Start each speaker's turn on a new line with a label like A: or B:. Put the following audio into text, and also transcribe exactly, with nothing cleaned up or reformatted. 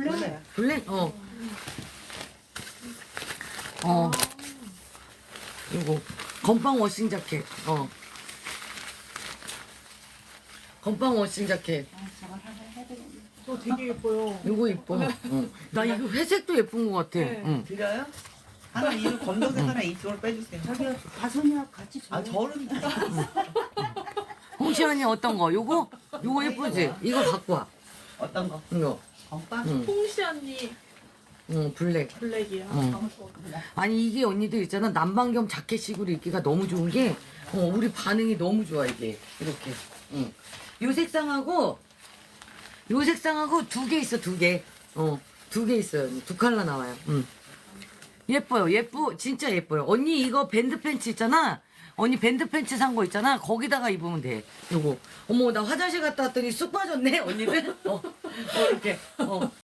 A: 블랙.
B: 블랙? 어. 어. 이거 건빵 워싱 자켓. 어. 건빵 워싱 자켓.
A: 아, 저걸 하나 해야 되겠네.
C: 저 되게 예뻐요.
B: 이거 이뻐. 응. 나 이거 회색도 예쁜 것 같아.
C: 네.
B: 응.
D: 드려요? 하나 이거 검정색 하나 이쪽으로 빼주세요.
A: 저기 다솜이랑 같이 줘.
D: 아 저는
B: 홍시 언니 어떤 거? 요거? 요거 예쁘지? 이거 갖고 와.
D: 어떤 거?
B: 이거.
D: 건빵?
B: 응.
C: 홍시 언니
B: 응, 블랙.
C: 블랙이요.
B: 응. 아니 이게 언니들 있잖아 남방겸 자켓식으로 입기가 너무 좋은 게 어, 우리 반응이 너무 좋아 이게 이렇게 응. 요 색상하고 요 색상하고 두 개 있어 두개어두 개 있어요 두 컬러 나와요 응. 예뻐요 예쁘 진짜 예뻐요 언니 이거 밴드 팬츠 있잖아 언니 밴드 팬츠 산 거 있잖아 거기다가 입으면 돼 요거 어머 나 화장실 갔다 왔더니 쑥 빠졌네 언니들 어, 어 이렇게 어